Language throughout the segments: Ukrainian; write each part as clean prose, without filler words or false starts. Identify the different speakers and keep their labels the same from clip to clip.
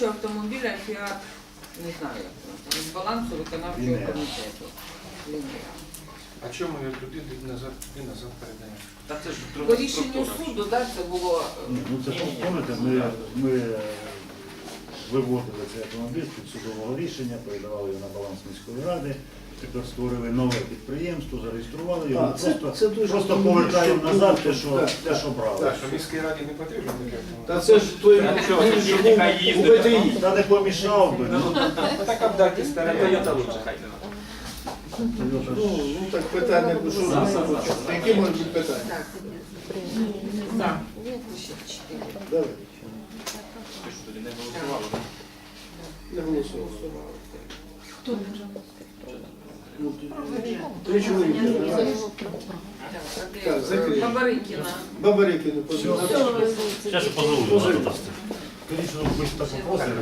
Speaker 1: кучу автомобіля, Фіат, не знаю, як воно там, з балансу виконавчого комітету. Лінія.
Speaker 2: А чому його туди назад передаємо?
Speaker 3: Та це ж
Speaker 1: По рішенню суду, так, це було...
Speaker 4: Ну це пам'ятаєте, ми виводили цей автомобіль з підсудового рішення, передавали його на баланс міської ради, тепер створили нове підприємство, зареєстрували його, просто повертаємо назад те, що брали.
Speaker 2: Так, що міській раді не потрібно таке.
Speaker 5: Та це ж той у ВТІ.
Speaker 4: Та не помішав би.
Speaker 2: Так обдати старе.
Speaker 3: Тойота лучше, хай не.
Speaker 5: Ну так питання, що які можуть бути питання?
Speaker 1: Так, за. Ще 4.
Speaker 5: Давай.
Speaker 3: Ви що тоді не голосували?
Speaker 5: Не голосували.
Speaker 1: Хто не
Speaker 5: Ну, 3 чоловіки. Давай. Так, закрий.
Speaker 1: Бабарикіна.
Speaker 5: Бабарики не позивали.
Speaker 4: Зараз позову. Конечно, ви так попросили.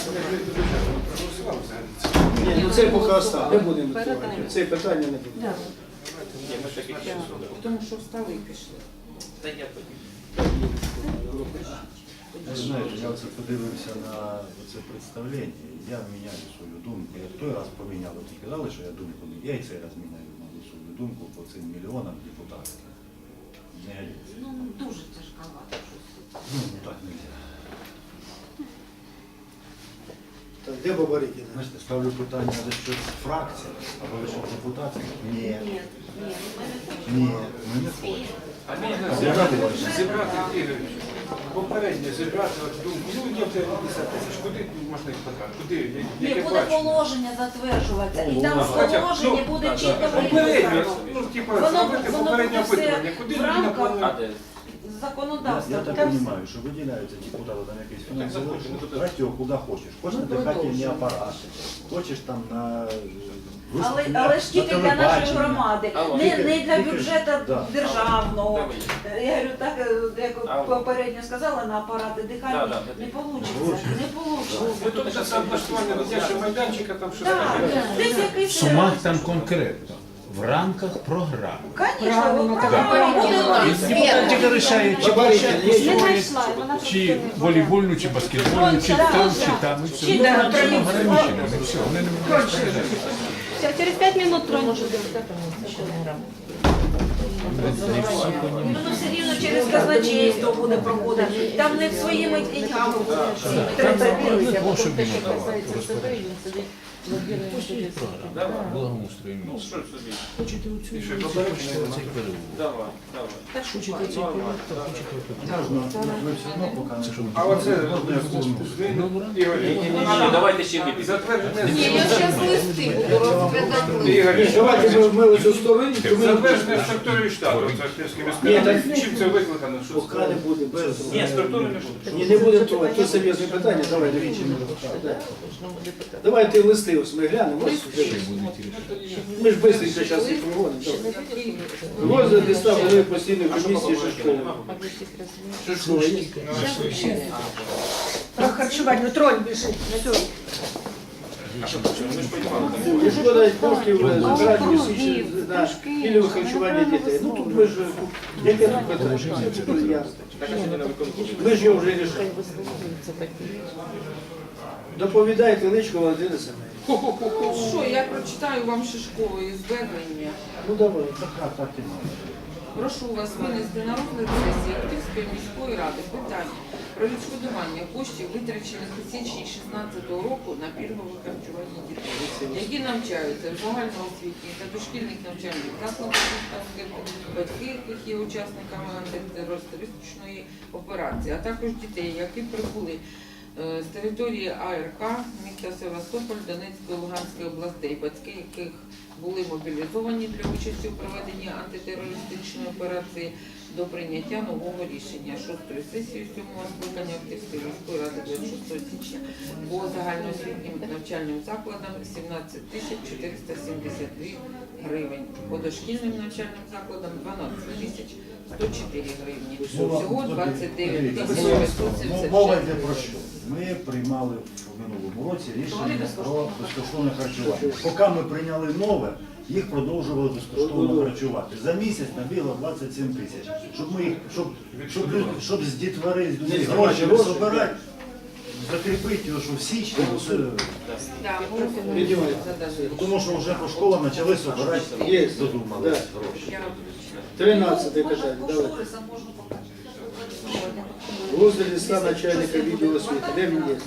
Speaker 5: Ні, ну це поки остав. Не будемо відкривати. Це питання не буде.
Speaker 3: Ні, ми таки ще суду.
Speaker 1: Тому що встали і пішли.
Speaker 3: Та я тоді.
Speaker 4: Ви знаєте, я оце подивився на це представлення, я міняю свою думку. Я в той раз поміняв, от казали, що я думку не. Я і цей раз міняю свою думку по цим мільйонам депутатським. Не годиться.
Speaker 1: Ну, дуже тяжковато щось.
Speaker 4: Ну, так не можна.
Speaker 5: Так, де Бабарики?
Speaker 4: Знаєте, ставлю питання за що фракції, або за що депутатських. Ні. Ні, ми не хочемо.
Speaker 2: А можна зібрати, Ігор, попередньо зібрати думку. Ну, є 50 тисяч, куди можна їх потратити? Куди?
Speaker 6: Ні,
Speaker 2: Яке
Speaker 6: буде
Speaker 2: бачення?
Speaker 6: положення затверджуватися, і там в
Speaker 2: Хоча б,
Speaker 6: положенні буде чітко
Speaker 2: попередньо,
Speaker 6: виписано.
Speaker 2: ну, типу,
Speaker 6: Воно
Speaker 2: зробити попереднє
Speaker 6: буде все
Speaker 2: опитування. Куди
Speaker 6: в
Speaker 2: людина
Speaker 6: рамках
Speaker 2: планує?
Speaker 6: законодавства.
Speaker 4: Я так
Speaker 6: Там
Speaker 4: розумію, що виділяються депутати там якісь фінансові, трать його куди хочеш. Хочеш на дихательні апарати, хочеш там на
Speaker 6: Але ж тільки для нашої громади, не для
Speaker 4: Тільки-
Speaker 6: бюджету
Speaker 4: да.
Speaker 6: державного.
Speaker 3: Давай.
Speaker 6: Я говорю, так, як попередньо сказала, на апарати дихальні
Speaker 3: Да,
Speaker 6: не
Speaker 3: да.
Speaker 6: вийде. Не
Speaker 2: Ну,
Speaker 6: вийде.
Speaker 2: тут це облаштування дитячого майданчика, там щось
Speaker 6: Так,
Speaker 2: таке.
Speaker 6: десь якийсь...
Speaker 7: Сумах там конкретно. В рамках програми.
Speaker 6: Звісно, програма буде
Speaker 7: Депутат тільки вирішає, чи площадку строїть, чи волейбольну, чи баскетбольну, чи там, чи там. І все.
Speaker 6: Чи
Speaker 7: Ну,
Speaker 6: там,
Speaker 7: це
Speaker 6: чи
Speaker 7: ограничено, не все. Вони не можуть сказати.
Speaker 8: Через 5 минут тронешь.
Speaker 6: Воно все рівно через казначейство буде проходити. Там не своїми деньгами будуть 30 гривень.
Speaker 7: Благоустрою
Speaker 3: Ну,
Speaker 7: міста.
Speaker 3: що ж собі?
Speaker 7: Хочете
Speaker 2: І
Speaker 7: оцю
Speaker 2: що, Бабарики не
Speaker 7: цей переулок?
Speaker 3: Давай, давай.
Speaker 7: Хочете цей переулок, то хочете
Speaker 4: Можна, ви все одно поки не
Speaker 7: щоб-
Speaker 2: А оце Ігор,
Speaker 3: Ні, давайте ще випити.
Speaker 2: затвердження
Speaker 1: Ні, я зараз листи буду розглядати.
Speaker 2: Ігор,
Speaker 5: Давайте ми ось стороні, то ми
Speaker 2: затвердження структури штату. Це Київський міський ради. Чим це викликано? Що
Speaker 5: поки не буде. Без...
Speaker 3: Ні, структури не буде.
Speaker 5: Ні, не будемо трогати. Це серйозне питання. Давай, дивіться. Давайте листи ось ми глянемо. Ось, ми ж швидко зараз їх проводимо. Розгляди ставили постійної комісії Шишкової.
Speaker 8: Про харчування, троль біжить.
Speaker 5: Шкода коштів збирати місячні на пільгове харчування дітей. Ну тут ми ж, яке тут питання? Це тут ясно.
Speaker 3: Так, а сьогодні на виконкомі.
Speaker 5: Ми ж його вже рішили. Доповідайте Личко Валентина Семенівна.
Speaker 1: Що, я прочитаю вам Шишкової звернення.
Speaker 5: Ну давай.
Speaker 4: так і має.
Speaker 1: Прошу вас винести на розгляд сесії Активської міської ради питання про відшкодування коштів, витрачених у січні 2016 року на пільгове харчування дітей, які навчаються в загальноосвітніх та дошкільних навчальних закладах, батьки, яких є учасниками антитерористичної операції, а також дітей, які прибули з території АРК, міста Севастополь, Донецької, Луганської областей, батьки яких були мобілізовані для участі у проведенні антитерористичної операції до прийняття нового рішення 6-ї сесії 7-го скликання Активської міської ради 26 січня по загальноосвітнім навчальним закладам 17 тисяч 472 гривень, по дошкільним навчальним закладам 12 тисяч 104 гривні. Всього 29 тисяч 576
Speaker 4: Мова йде про що? Ми приймали в минулому році рішення про безкоштовне харчування. Поки ми прийняли нове, їх продовжували безкоштовно харчувати. За місяць набігло 27 тисяч. Щоб з дітвори, з людей гроші збирати, закріпити його, що в січні, це,
Speaker 1: Да,
Speaker 5: Видимо,
Speaker 4: тому що вже по школам почали збирати,
Speaker 5: Є.
Speaker 4: додумались
Speaker 5: Да.
Speaker 4: гроші.
Speaker 1: я
Speaker 5: 13 питання. Давай. Возле листа начальника відділу освіти. Де він є?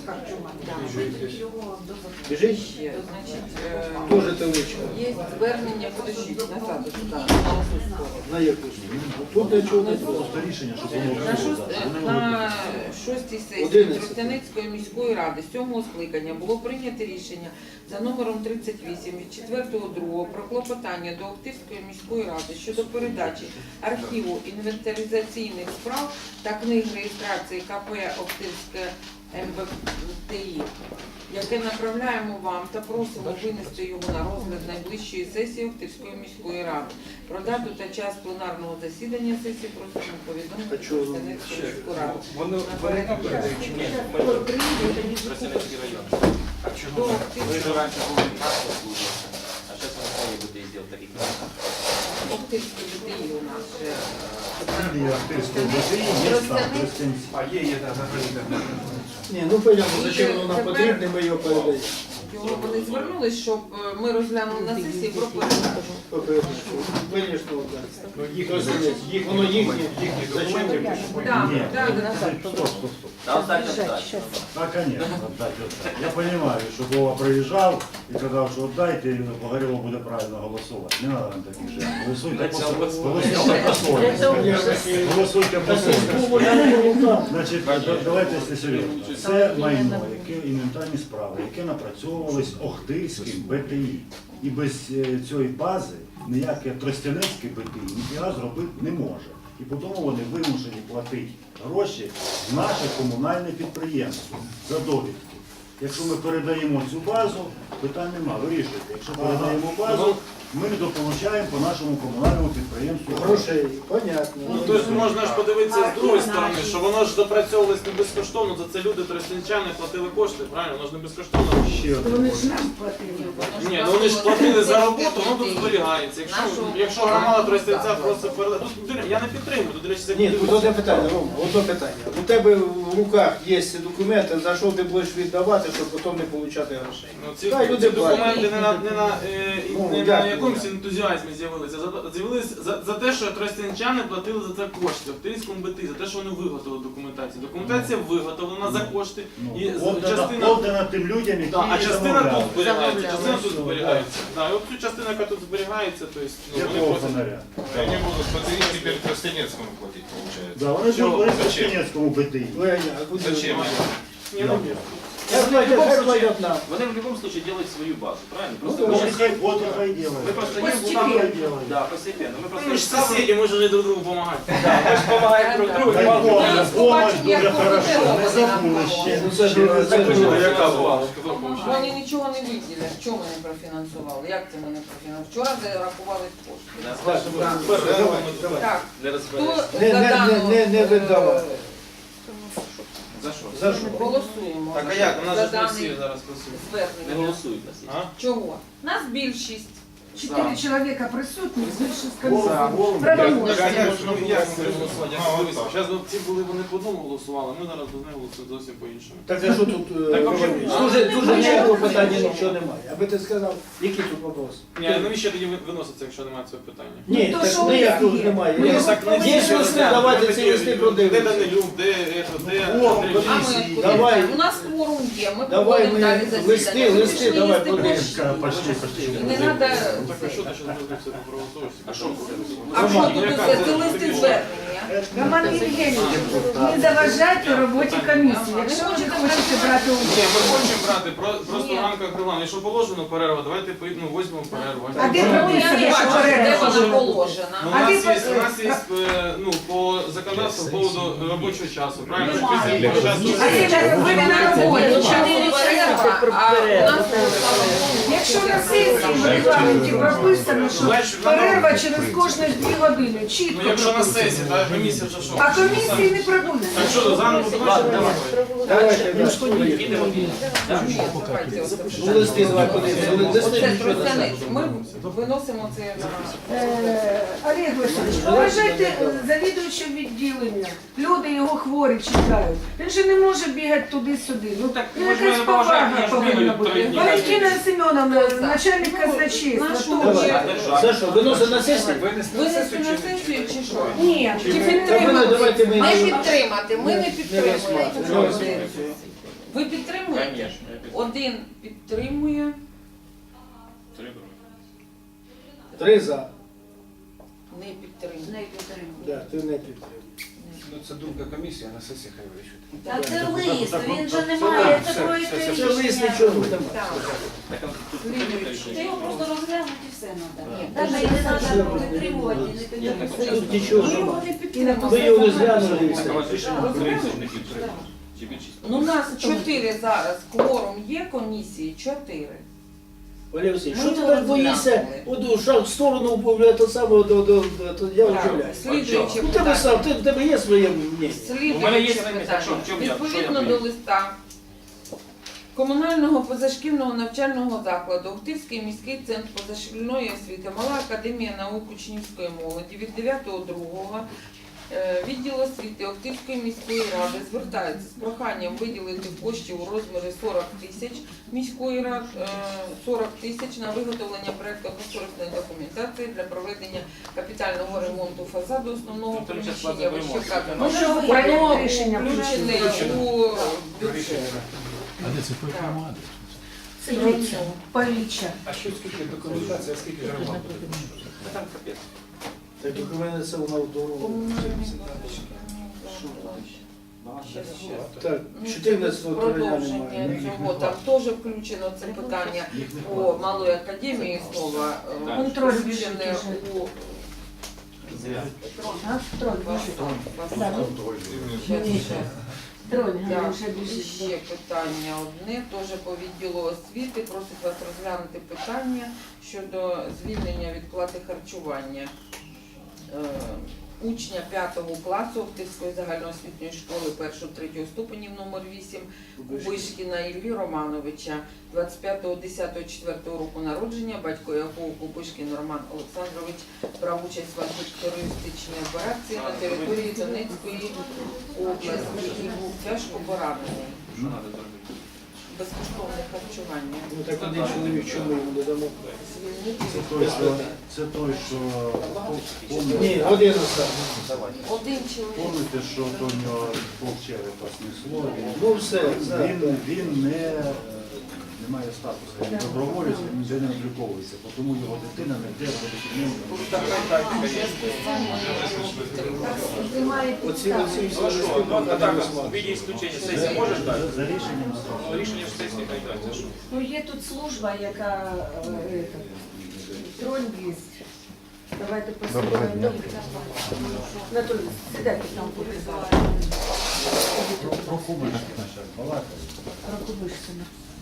Speaker 5: Біжить?
Speaker 1: ще, значить,
Speaker 5: Дуже теличка.
Speaker 1: є звернення, подождіть, назад, сюди,
Speaker 5: На яку? Тут нічого не було.
Speaker 4: Просто рішення, щоб воно
Speaker 1: на шостій сесії
Speaker 5: 11.
Speaker 1: Тростянецької міської ради 7-го скликання було прийнято рішення за номером 38 від 4.2 про клопотання до Охтирської міської ради щодо передачі архіву інвентаризаційних справ та книг реєстрації КП Охтирське МБТІ, яке направляємо вам та просимо винести його на розгляд найближчої сесії Охтирської міської ради. Про дату та час пленарного засідання сесії просимо повідомити
Speaker 5: А чого воно
Speaker 1: Тростянецьку міську раду.
Speaker 2: Вони передають чи ні?
Speaker 3: Тростянецький район.
Speaker 2: А
Speaker 1: До
Speaker 2: чого?
Speaker 3: Вы же
Speaker 1: Охтирського
Speaker 3: раньше были красной службы, а сейчас вы сами будете сделать таких.
Speaker 1: Охтирське БТІ у нас же.
Speaker 4: Фамілія Охтирського БТІ є там, Тростянці.
Speaker 2: А є, да, заходите.
Speaker 5: Ні, ну понятно, зачем воно нам потрібно, ми його передаємо.
Speaker 1: Його вони звернулись, щоб ми розглянули на сесії про передачу.
Speaker 5: Звісно,
Speaker 2: Ну,
Speaker 5: так. Воно їхнє.
Speaker 2: документи,
Speaker 1: Так,
Speaker 4: Ні,
Speaker 1: так,
Speaker 4: стоп, стоп, стоп.
Speaker 3: Да, оставьте.
Speaker 4: Да, конечно, отдать, отдать. Я понимаю, что Вова приезжал и сказал, что отдайте, и Погорелов будет правильно голосовать. Не надо нам таких же. Голосуйте по-своєму. Голосуйте по-своєму. Значить, давайте, якщо серйозно. Це майно, яке інвентарні справи, яке напрацьовувались Охтирським БТІ. І без цієї бази ніяке Тростянецьке БТІ ніфіга зробити не може. І потім вони вимушені платити гроші в наше комунальне підприємство за довідки. Якщо ми передаємо цю базу, питань нема, вирішуйте. Якщо передаємо базу, ми недополучаємо по нашому комунальному підприємству
Speaker 5: Грошей, понятно.
Speaker 9: Ну, тобто можна ж подивитися з другої сторони, що воно ж допрацьовувалось не безкоштовно, за це люди тростянчани платили кошти, правильно? Воно ж не безкоштовно.
Speaker 4: Ще один.
Speaker 9: Ні, ну вони ж платили за роботу, воно тут зберігається. Якщо громада тростянця просто передає. Тут я не підтримую, тут, до речі, це
Speaker 5: Ні, тут одне питання, Рома, одне питання. У тебе в руках є ці документи, за що ти будеш віддавати, щоб потім не отримати грошей.
Speaker 9: Ну, ці
Speaker 5: Хай люди
Speaker 9: документи не на
Speaker 5: дякую.
Speaker 9: якомусь ентузіазмі з'явилися. З'явилися за те, що тростянчани платили за це кошти в Охтирському БТІ, за те, що вони виготовили документацію. Документація виготовлена за кошти. І частина...
Speaker 4: Отдана тим людям, які
Speaker 9: А частина
Speaker 4: замовляли.
Speaker 9: тут зберігається, частина тут зберігається. Да, і от цю частину, яка тут зберігається, то есть, ну, вони
Speaker 4: Якого
Speaker 9: просять.
Speaker 4: фонаря?
Speaker 10: Они будут БТИ теперь Тростянецкому платить, получается.
Speaker 4: Да, вони
Speaker 9: Чого?
Speaker 4: будуть в Тростянецькому БТІ.
Speaker 5: Леня, а куди?
Speaker 10: Зачем?
Speaker 9: Ні, ну,
Speaker 5: Хай платять нам.
Speaker 3: Вони в любом случае делают свою базу, правильно?
Speaker 4: Вот
Speaker 3: Просто
Speaker 4: и хай, вот и хай делают.
Speaker 3: мы просто
Speaker 8: Постепенно.
Speaker 3: Да, постепенно. Мы просто
Speaker 9: ми ж сусіді, ми ж вже друг другу допомагаємо.
Speaker 3: мы же помогаем друг другу.
Speaker 4: Дай Боже, помощь дуже хорошо, не забули ще.
Speaker 5: Ну це ж
Speaker 9: Яка була?
Speaker 1: Вони нічого не виділять. Чому ми не профінансували? Як це ми не профінансували? Вчора зарахували кошти. Так,
Speaker 3: Для
Speaker 1: хто
Speaker 3: розбирання.
Speaker 1: за дану
Speaker 5: не видавав.
Speaker 9: За що?
Speaker 5: За що?
Speaker 1: голосуємо
Speaker 9: Так, а як? У нас
Speaker 1: за
Speaker 9: же ж не
Speaker 1: даний
Speaker 9: всі зараз працюють.
Speaker 3: Не
Speaker 1: звернення?
Speaker 3: голосують нас.
Speaker 9: А?
Speaker 1: Чого? Нас більшість.
Speaker 8: 4 человека присутні, більше з
Speaker 4: Голос,
Speaker 8: конца.
Speaker 4: голос.
Speaker 8: Правомочно.
Speaker 9: Так, а як ми голосувати? Зараз ці були, вони по одному голосували, ми зараз без них голосуємо зовсім по-іншому.
Speaker 5: Так а що тут
Speaker 9: Так,
Speaker 5: говорити?
Speaker 9: а
Speaker 5: Дуже ніякого питання нічого немає. Аби ти сказав, який тут вопрос?
Speaker 9: Ні, а навіщо тоді виноситься, якщо немає цього питання?
Speaker 5: Ні,
Speaker 8: Ну, то що
Speaker 5: так
Speaker 8: ви
Speaker 5: ніякого
Speaker 8: є?
Speaker 5: немає.
Speaker 8: Ми
Speaker 5: Є
Speaker 8: його повинні
Speaker 5: є листи, давайте ці листи
Speaker 9: Де
Speaker 5: продивимося.
Speaker 9: Данилюк, де
Speaker 1: А ми
Speaker 5: Давай.
Speaker 1: давай. У нас форум є, ми
Speaker 5: Давай
Speaker 1: проводимо далі
Speaker 5: ми
Speaker 1: засідання.
Speaker 5: листи,
Speaker 1: Ми пішли
Speaker 5: давай
Speaker 1: їсти
Speaker 5: подивимося.
Speaker 1: борщ.
Speaker 4: Пошли, пошли.
Speaker 1: І не треба...
Speaker 9: Так а що ти зараз робиш це проголосуєш? А що?
Speaker 1: А що тут усе? Це листи звернення.
Speaker 8: Роман Євгенійович, не заважайте роботі комісії. Якщо ви не хочете брати
Speaker 9: Ні,
Speaker 8: участь.
Speaker 9: ми хочемо брати, просто
Speaker 1: Ні.
Speaker 9: в рамках регламенту. Якщо положено перерва, давайте візьмемо перерву.
Speaker 8: А де
Speaker 1: Ну, я
Speaker 8: прописано,
Speaker 1: не
Speaker 8: що
Speaker 1: бачу, де
Speaker 8: перерва?
Speaker 1: вона положена.
Speaker 9: Ну,
Speaker 8: А
Speaker 9: у
Speaker 8: ви
Speaker 9: нас є ну, по законодавству по поводу робочого часу, правильно?
Speaker 8: Немає.
Speaker 9: Після часу.
Speaker 8: А це ви на роботі.
Speaker 1: Чому перерва, а у нас, слава Богу,
Speaker 8: якщо на сесії в регламенті прописано, що перерва через кожні 2 години, чітко
Speaker 9: Ну якщо на
Speaker 8: прописано.
Speaker 9: сесії, так комісія вже що?
Speaker 8: А комісії не прописано.
Speaker 9: Так що, заново
Speaker 5: Давайте,
Speaker 3: Підемо.
Speaker 1: Давайте
Speaker 5: ну, листи давай подивимося. Листи
Speaker 1: Це
Speaker 5: нічого не
Speaker 1: Тростянець.
Speaker 5: знаю.
Speaker 1: Ми виносимо це на
Speaker 8: Олег Васильович, поважайте завідуючого відділення. Люди його хворі чекають. Він же не може бігати туди-сюди. Ну так,
Speaker 9: ви ж мене поважаєте, я ж бігаю 3 дні.
Speaker 8: Валентина Семеновна, начальник казначейства.
Speaker 5: Давай.
Speaker 8: теж.
Speaker 5: За що, виносимо на сесію?
Speaker 2: Винести
Speaker 1: винести на сесію чи що?
Speaker 8: Ні,
Speaker 1: Чи
Speaker 5: Та
Speaker 1: підтримати?
Speaker 5: давайте ми...
Speaker 1: Не підтримати, ми не підтримуємо.
Speaker 5: розглядаємо.
Speaker 1: Ви підтримуєте?
Speaker 3: Конечно.
Speaker 1: Один підтримує,
Speaker 5: 3 за.
Speaker 1: не підтримує.
Speaker 5: Да, ти не підтримуєш.
Speaker 2: Ну, це думка комісії, а на сесії хай вирішують.
Speaker 6: Та це лист, він же не має такої
Speaker 5: Це лист нічого немає.
Speaker 1: Так.
Speaker 6: Ти його просто розглянути і все
Speaker 1: Ні,
Speaker 6: треба. Навіть не треба підтримувати, не підтримувати.
Speaker 5: Тут нічого
Speaker 1: Ми його
Speaker 5: немає.
Speaker 1: не підтримуємо.
Speaker 5: Ви його не зглянули і все.
Speaker 1: Ну, у нас 4 зараз, кворум є комісії, 4.
Speaker 5: Олег Васильович,
Speaker 1: Ми
Speaker 5: що ти
Speaker 1: його
Speaker 5: так боїшся?
Speaker 1: розглянули.
Speaker 5: От шаг в сторону того самого, я удивляюсь.
Speaker 1: Слідуюче
Speaker 5: Ну тебе сам, в тебе є своє мнення.
Speaker 3: У мене є
Speaker 1: Слідуюче
Speaker 3: своє
Speaker 1: питання.
Speaker 3: що я
Speaker 1: Відповідно
Speaker 3: маю?
Speaker 1: до листа комунального позашкільного навчального закладу Охтирський міський центр позашкільної освіти, Мала академія наук учнівської молоді від 9.02 відділ освіти Охтирської міської ради звертається з проханням виділити коштів у розмірі 40 тисяч міської ради, 40 тисяч на виготовлення проєктно-кошторисної документації для проведення капітального ремонту фасаду основного
Speaker 3: Ну, там щас
Speaker 1: приміщення
Speaker 3: складно
Speaker 1: вищекратного.
Speaker 8: Ну, що ви проєкт рішення
Speaker 1: включений у бюджет.
Speaker 7: А де це той громади?
Speaker 8: Це Грицьо, Павіча.
Speaker 2: А що скільки документації, а скільки громад?
Speaker 3: Там капець.
Speaker 5: Так у мене це воно в дорогу. Так,
Speaker 1: Ну,
Speaker 5: 14 травня
Speaker 1: продовження
Speaker 5: немає.
Speaker 1: цього, там теж включено це питання по малої академії знову
Speaker 8: Контроль
Speaker 1: включене у
Speaker 8: А, троль, троль,
Speaker 1: Так,
Speaker 8: вже
Speaker 1: і
Speaker 8: біжить.
Speaker 1: ще питання одне, теж по відділу освіти, просить вас розглянути питання щодо звільнення від плати харчування учня 5 класу Охтирської загальноосвітньої школи 1-3 ступенів номер 8 Кубишкіна Іллі Романовича, 25.10.4 року народження, батько якого Кубишкін Роман Олександрович брав участь в антитерористичній операції на території Донецької області і був тяжко поранений.
Speaker 3: Що треба зробити?
Speaker 1: Безкоштовне харчування.
Speaker 5: Ну так один чоловік, чому йому не дамо?
Speaker 1: Звільнити
Speaker 4: Це той, що
Speaker 5: Ні, один останній.
Speaker 1: один чоловік.
Speaker 4: помните, що до нього полчерепа снесло,
Speaker 5: Ну все,
Speaker 4: він не має статусу, він доброволець, він ніде не обліковується, тому його дитина не йде в
Speaker 5: Оці всі
Speaker 3: Ну що, ну а так, в
Speaker 5: всі.
Speaker 3: віді ісключення сесії можеш дати?
Speaker 4: За рішенням
Speaker 3: Ну, рішення ж сесії хай дасть, а що?
Speaker 8: Ну, є тут служба, яка троль є. Давайте послухаємо. Анатолій, сідайте там куди.
Speaker 4: про Кубиш почав балакати.
Speaker 8: Про Кубишкіна.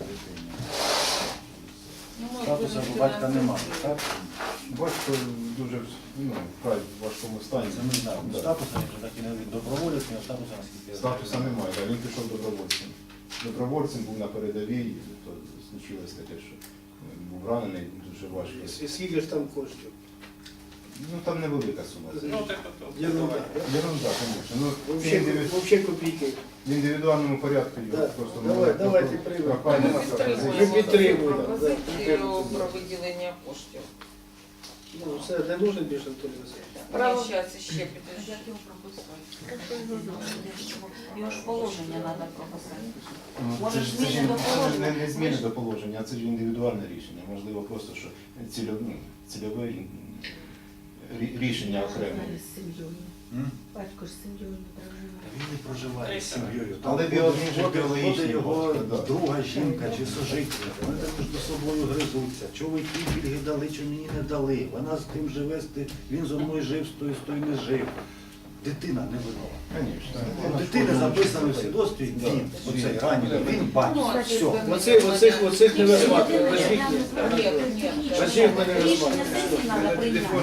Speaker 1: Ну, ми
Speaker 4: Статуса
Speaker 1: будемо
Speaker 4: батька немає,
Speaker 1: фінансувати.
Speaker 4: так?
Speaker 10: Батько дуже вкрай в важкому стані.
Speaker 4: Це ми знаємо.
Speaker 10: Да.
Speaker 4: Статуса він так і не від доброволець, ні статуса, наскільки я знаю.
Speaker 10: Статуса немає, да, він пішов добровольцем. Добровольцем був на передовій, то случилось таке, що був ранений дуже важко.
Speaker 5: І скільки ж там коштів?
Speaker 10: Ну там невелика сума.
Speaker 3: Ну, так,
Speaker 5: Єрунда.
Speaker 10: Ерунда, звісно. Ну, це
Speaker 5: Взагалі копійки.
Speaker 10: в індивідуальному порядку його
Speaker 5: Да.
Speaker 10: просто
Speaker 5: Давайте приймемо.
Speaker 10: прохання
Speaker 1: Ми
Speaker 10: на
Speaker 1: підтримуємо
Speaker 5: Ми підтримуємо,
Speaker 1: цю
Speaker 5: да,
Speaker 1: пропозицію
Speaker 5: підтримуємо.
Speaker 1: про виділення коштів.
Speaker 5: Ну, все, не нужен більше Анатолій Васильович.
Speaker 1: Право зараз ще підожди.
Speaker 6: Як його прописати? Його ж положення треба прописати.
Speaker 10: Ну,
Speaker 6: Може,
Speaker 10: це ж
Speaker 6: зміни до положення?
Speaker 10: не зміни до положення, а це ж індивідуальне рішення. Можливо, просто що цільове рішення окремо.
Speaker 8: З сім'єю. Батько ж з сім'єю не проживає.
Speaker 4: Він не проживає з сім'єю.
Speaker 10: Але
Speaker 4: Там
Speaker 10: біологічні
Speaker 4: ходить
Speaker 10: біологічні
Speaker 4: його
Speaker 10: батьки, да.
Speaker 4: друга жінка чи сожительниця. Вони там між собою гризуться. Чоловіки пільги дали, чи мені не дали. Вона з тим живе, він зо мною жив, з тою не жив. дитина не винова.
Speaker 10: Конечно.
Speaker 4: У дитини записано в свідоцтві, він, оцей ранній, він батько. Все.
Speaker 5: Оцих не розсматривають. Оцих ні.
Speaker 1: Ні, ні.
Speaker 5: Оцих ми не
Speaker 6: Рішення
Speaker 5: розсматриваємо.
Speaker 6: сесії треба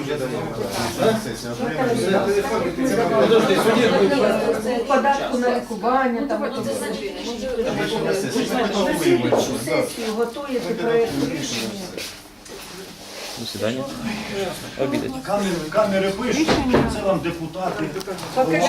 Speaker 6: прийняти.
Speaker 5: Подожди, судді,
Speaker 8: Податку на лікування, там
Speaker 1: Давайте
Speaker 8: оце
Speaker 1: це
Speaker 8: все.
Speaker 1: зачинимо.
Speaker 8: Слідчу сесію готуєте проєкт рішення.
Speaker 3: До свидания. Обідать.
Speaker 4: Камери пишуть, це вам депутати.
Speaker 8: Поки